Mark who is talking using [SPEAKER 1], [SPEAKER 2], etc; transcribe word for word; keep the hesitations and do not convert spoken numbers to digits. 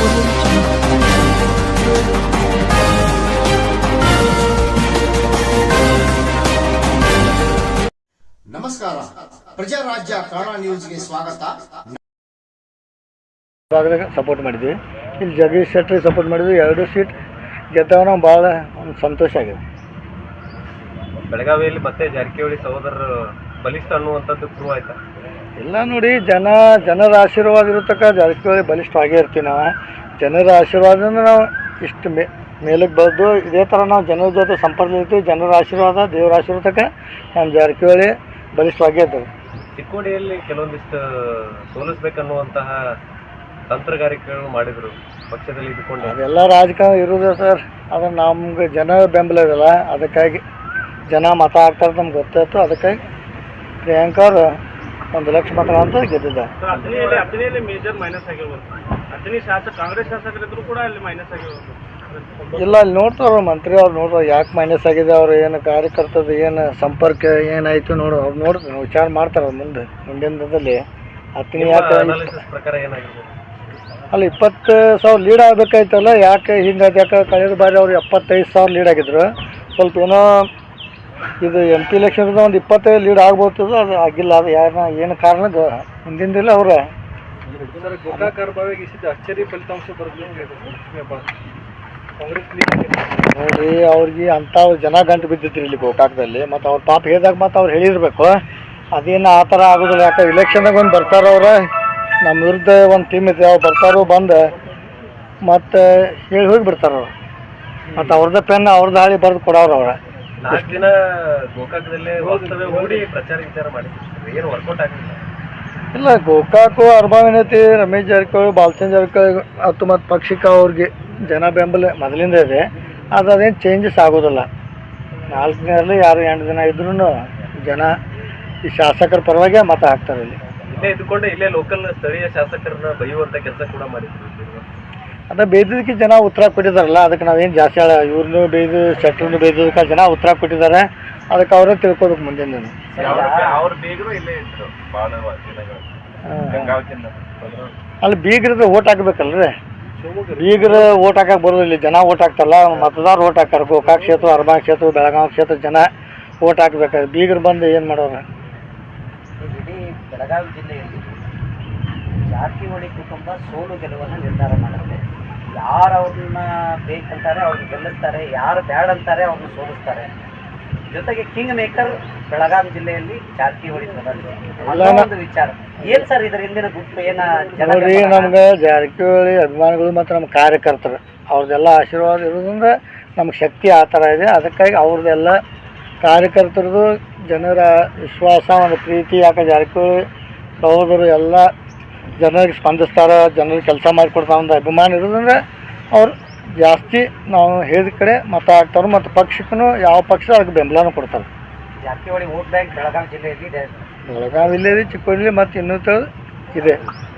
[SPEAKER 1] ನಮಸ್ಕಾರ, ಪ್ರಜಾರಾಜ್ಯ ಕನ್ನಡ ನ್ಯೂಸ್ಗೆ ಸ್ವಾಗತ.
[SPEAKER 2] ಸಪೋರ್ಟ್ ಮಾಡಿದ್ವಿ, ಇಲ್ಲಿ ಜಗದೀಶ್ ಶೆಟ್ಟರ್ ಸಪೋರ್ಟ್ ಮಾಡಿದ್ವಿ. ಎರಡು ಸೀಟ್ ಗೆದ್ದವ ನಾವು ಭಾಳ ಒಂದು ಸಂತೋಷ ಆಗಿದೆ.
[SPEAKER 3] ಬೆಳಗಾವಿಯಲ್ಲಿ ಮತ್ತೆ ಜಾರಕಿಹೊಳಿ ಸಹೋದರರು ಬಲಿಷ್ಠ ಅನ್ನುವಂಥದ್ದು ಪ್ರೂವ್ ಆಯ್ತಾ?
[SPEAKER 2] ಇಲ್ಲ ನೋಡಿ, ಜನ ಜನರ ಆಶೀರ್ವಾದ ಇರತಕ್ಕ ಜಾರಕಿಹೊಳಿ ಬಲಿಷ್ಠವಾಗೇ ಇರ್ತೀವಿ. ನಾವು ಜನರ ಆಶೀರ್ವಾದದಿಂದ ನಾವು ಇಷ್ಟು ಮೇ ಮೇಲಕ್ಕೆ ಬಂದು ಇದೇ ಥರ ನಾವು ಜನರ ಜೊತೆ ಸಂಪರ್ಕ ಇರ್ತೀವಿ. ಜನರ ಆಶೀರ್ವಾದ, ದೇವರ ಆಶೀರ್ವಾದಕ್ಕೆ ನಮ್ಮ ಜಾರಕಿಹೊಳಿ ಬಲಿಷ್ಠವಾಗೇ ಇದ್ದಾರೆ.
[SPEAKER 3] ಚಿಕ್ಕೋಡಿಯಲ್ಲಿ ಕೆಲವೊಂದಿಷ್ಟು ಸೋಲಿಸ್ಬೇಕನ್ನುವಂತಹ ತಂತ್ರಗಾರಿಕೆಗಳು ಮಾಡಿದರು ಪಕ್ಷದಲ್ಲಿ ಇದ್ಕೊಂಡು.
[SPEAKER 2] ಅದೆಲ್ಲ ರಾಜಕಾರಣ ಇರೋದು ಸರ್, ಅದು ನಮ್ಗೆ ಜನ ಬೆಂಬಲ ಇರಲ್ಲ. ಅದಕ್ಕಾಗಿ ಜನ ಮತ ಹಾಕ್ತಾರೆ ನಮ್ಗೆ ಗೊತ್ತಾಯ್ತು. ಅದಕ್ಕಾಗಿ ಪ್ರಿಯಾಂಕಾ ಅವರು ಒಂದು ಲಕ್ಷ ಮತ ಅಂತ ಗೆದ್ದಿದ್ದಾರೆ.
[SPEAKER 4] ಹತ್ತನೇಲಿ ಮೇಜರ್ ಮೈನಸ್ ಆಗಿರ್ಬೋದು. ಹತ್ತನೇ ಶಾಸಕ ಕಾಂಗ್ರೆಸ್ ಶಾಸಕರಿದ್ರು ಕೂಡ ಅಲ್ಲಿ ಮೈನಸ್ ಆಗಿರ್ಬೋದು.
[SPEAKER 2] ಇಲ್ಲ, ಅಲ್ಲಿ ನೋಡ್ತಾರ ಮಂತ್ರಿ ಅವ್ರು ನೋಡ್ತಾರೆ ಯಾಕೆ ಮೈನಸ್ ಆಗಿದೆ, ಅವ್ರು ಏನು ಕಾರ್ಯಕರ್ತದ ಏನು ಸಂಪರ್ಕ ಏನಾಯಿತು ನೋಡು, ಅವ್ರು ನೋಡ್ತಾರೆ, ವಿಚಾರ ಮಾಡ್ತಾರೆ ಅವ್ರು ಮುಂದೆ ಮುಂದಿನ ದಿನದಲ್ಲಿ. ಹತ್ತನೇ ಯಾಕೆ
[SPEAKER 3] ಪ್ರಕಾರ ಏನಾಗಿರ್ಬೋದು?
[SPEAKER 2] ಅಲ್ಲಿ ಇಪ್ಪತ್ತು ಸಾವಿರ ಲೀಡ್ ಆಗಬೇಕಾಯ್ತಲ್ಲ, ಯಾಕೆ ಹಿಂಗಾದ? ಯಾಕೆ ಕಳೆದ ಬಾರಿ ಅವ್ರು ಎಪ್ಪತ್ತೈದು ಸಾವಿರ ಲೀಡ್ ಆಗಿದ್ರು. ಸ್ವಲ್ಪ ಏನೋ ಇದು ಎಂ ಪಿ ಎಲೆಕ್ಷನ್ದ ಒಂದು ಇಪ್ಪತ್ತೈದು ಲೀಡ್ ಆಗ್ಬೋದು, ಅದು ಆಗಿಲ್ಲ. ಅದು ಯಾರನ್ನ ಏನು ಕಾರಣ ಹಿಂದಿಂದಿಲ್ಲ ಅವ್ರ
[SPEAKER 4] ಅಚ್ಚರಿ ಫಲಿತಾಂಶ
[SPEAKER 2] ನೋಡ್ರಿ, ಅವ್ರಿಗೆ ಅಂಥ ಜನ ಗಂಟು ಬಿದ್ದಿದ್ರು ಇಲ್ಲಿ ಗೋಕಾಕದಲ್ಲಿ. ಮತ್ತು ಅವ್ರ ಪಾಪ ಹೇಳಿದಾಗ ಮತ್ತು ಅವ್ರು ಹೇಳಿರ್ಬೇಕು. ಅದೇನು ಆ ಥರ ಆಗೋದಿಲ್ಲ. ಯಾಕೆ ಇಲೆಕ್ಷನ್ದಾಗ ಒಂದು ಬರ್ತಾರ ಅವ್ರ, ನಮ್ಮ ವಿರುದ್ಧ ಒಂದು ಟೀಮ್ ಇದೆ, ಅವ್ರು ಬರ್ತಾರೋ ಬಂದು ಮತ್ತು ಹೇಳಿ ಹೋಗಿ ಬಿಡ್ತಾರೆ ಅವ್ರು. ಮತ್ತು ಅವ್ರದ್ದೇ ಪೆನ್ ಅವ್ರದ್ದು ಹಾಳಿ ಬರೆದು ಕೊಡೋರು ಅವ್ರ.
[SPEAKER 3] ನಾಲ್ಕು ದಿನ ಗೋಕಾಕದಲ್ಲೇ ವಾಸ್ತವ್ಯ ಹೂಡಿ ಪ್ರಚಾರ ವಿಚಾರ ಮಾಡಿದ್ರು, ಏನು ವರ್ಕೌಟ್ ಆಗಲಿಲ್ಲ.
[SPEAKER 2] ಇಲ್ಲ, ಗೋಕಾಕು ಅರ್ಬಾವಿನತಿ ರಮೇಶ್ ಜಾರಕಿಹೊಳಿ, ಬಾಲಚಂದ್ರ ಜಾರಕಿಹೊಳಿ ಮತ್ತು ಮತ್ತು ಪಕ್ಷಕ್ಕೆ ಅವ್ರಿಗೆ ಜನ ಬೆಂಬಲ ಮೊದಲಿಂದ ಇದೆ. ಅದು ಅದೇನು ಚೇಂಜಸ್ ಆಗೋದಿಲ್ಲ. ನಾಲ್ಕು ದಿನದಲ್ಲಿ ಯಾರು ಎಂಟು ದಿನ ಇದ್ರೂ ಜನ ಈ ಶಾಸಕರ ಪರವಾಗಿ ಮತ ಹಾಕ್ತಾರೆ. ಇಲ್ಲಿ
[SPEAKER 3] ಇಲ್ಲೇ ಇದ್ದುಕೊಂಡೆ ಇಲ್ಲೇ ಲೋಕಲ್ ಸ್ಥಳೀಯ ಶಾಸಕರನ್ನ ಬೈಯುವಂಥ ಕೆಲಸ ಕೂಡ ಮಾಡಿದ್ರು.
[SPEAKER 2] ಅದೇ ಬೇಯ್ದದಕ್ಕೆ ಜನ ಉತ್ತರ ಕೊಟ್ಟಿದ್ದಾರಲ್ಲ, ಅದಕ್ಕೆ ನಾವೇನು ಜಾಸ್ತಿ ಹೇಳ, ಇವ್ರನ್ನೂ ಬೇಯ್ದು ಶೆಟ್ರನ್ನು ಬೇಯ್ದದಕ್ಕೆ ಜನ ಉತ್ತರ ಕೊಟ್ಟಿದ್ದಾರೆ. ಅದಕ್ಕೆ ಅವರೇ ತಿಳ್ಕೊಬೇಕು ಮುಂದಿನ.
[SPEAKER 3] ಅವ್ರು ಬೇಗರು ಇಲ್ಲೇ ಇದ್ರು ಭಾಳ ದಿನಗಳು.
[SPEAKER 2] ಅಲ್ಲಿ ಬೀಗ್ರದ್ದು ಓಟ್ ಹಾಕ್ಬೇಕಲ್ರಿ, ಬೀಗ್ರ ಓಟ್ ಹಾಕಕ್ಕೆ ಬರೋದಿಲ್ಲ. ಜನ ಓಟ್ ಹಾಕ್ತಾರಲ್ಲ, ಮತದಾರ ಓಟ್ ಹಾಕ್ತಾರೆ. ಗೋಕಾಕ್ ಕ್ಷೇತ್ರ, ಅರ್ಬಾನ್ ಕ್ಷೇತ್ರ, ಬೆಳಗಾವಿ ಕ್ಷೇತ್ರ ಜನ ಓಟ್ ಹಾಕ್ಬೇಕಾದ್ರೆ ಬೀಗ್ರು ಬಂದು ಏನು ಮಾಡೋರು?
[SPEAKER 5] ಇಡೀ ಬೆಳಗಾವಿ ಜಿಲ್ಲೆಯಲ್ಲಿ ಜಾರಕಿಹೊಳಿ ಕುಟುಂಬ ಸೋಲು ಗೆಲುವನ್ನು ನಿರ್ಧಾರ ಮಾಡುತ್ತೆ. ಯಾರು ಅವ್ರನ್ನ ಬೇಕಂತಾರೆ ಅವ್ರನ್ನ ಗೆಲ್ಲಿಸ್ತಾರೆ, ಯಾರು ಬ್ಯಾಡ್ ಅಂತಾರೆ ಅವ್ರನ್ನ ಸೋಲಿಸ್ತಾರೆ. ಜೊತೆಗೆ ಕಿಂಗ್ ಮೇಕರ್ ಬೆಳಗಾವಿ ಜಿಲ್ಲೆಯಲ್ಲಿ ಜಾರಕಿಹೊಳಿ ಒಂದು ವಿಚಾರ ಏನ್ ಸರ್ ಇದರ ಹಿಂದಿನ ಗುಟ್ಟು ಏನ?
[SPEAKER 2] ನೋಡ್ರಿ, ನಮ್ಗೆ ಜಾರಕಿಹೊಳಿ ಅಭಿಮಾನಿಗಳು ಮತ್ತು ನಮ್ಮ ಕಾರ್ಯಕರ್ತರು ಅವ್ರದ್ದೆಲ್ಲ ಆಶೀರ್ವಾದ ಇರೋದ್ರಿಂದ ನಮ್ಗೆ ಶಕ್ತಿ ಆ ಥರ ಇದೆ. ಅದಕ್ಕಾಗಿ ಅವ್ರದ್ದೆಲ್ಲ ಕಾರ್ಯಕರ್ತರದು ಜನರ ವಿಶ್ವಾಸ, ಒಂದು ಪ್ರೀತಿ. ಯಾಕೆ ಜಾರಕಿಹೊಳಿ ಸಹೋದರು ಎಲ್ಲ ಜನರಿಗೆ ಸ್ಪಂದಿಸ್ತಾರೆ, ಜನರಿಗೆ ಕೆಲಸ ಮಾಡಿಕೊಡ್ತಾರೆ ಒಂದು ಅಭಿಮಾನ ಇರೋದ್ರಿಂದ ಅವ್ರು ಜಾಸ್ತಿ ನಾವು ಹೇಳಿದ ಕಡೆ ಮತ ಹಾಕ್ತಾರೆ. ಮತ್ತು ಪಕ್ಷಕ್ಕೂ ಯಾವ ಪಕ್ಷ ಅದಕ್ಕೆ ಬೆಂಬಲನೂ ಕೊಡ್ತಾರೆ.
[SPEAKER 5] ಜಾರಕಿಹೊಳಿ ವೋಟ್ ಬ್ಯಾಂಕ್ ಬೆಳಗಾವಿ ಜಿಲ್ಲೆಯಲ್ಲಿ ಇದೆ.
[SPEAKER 2] ಬೆಳಗಾವಿ ಜಿಲ್ಲೆಯಲ್ಲಿ, ಚಿಕ್ಕೋಡಿ ಮತ್ತು ಇನ್ನೂ ಇದೆ.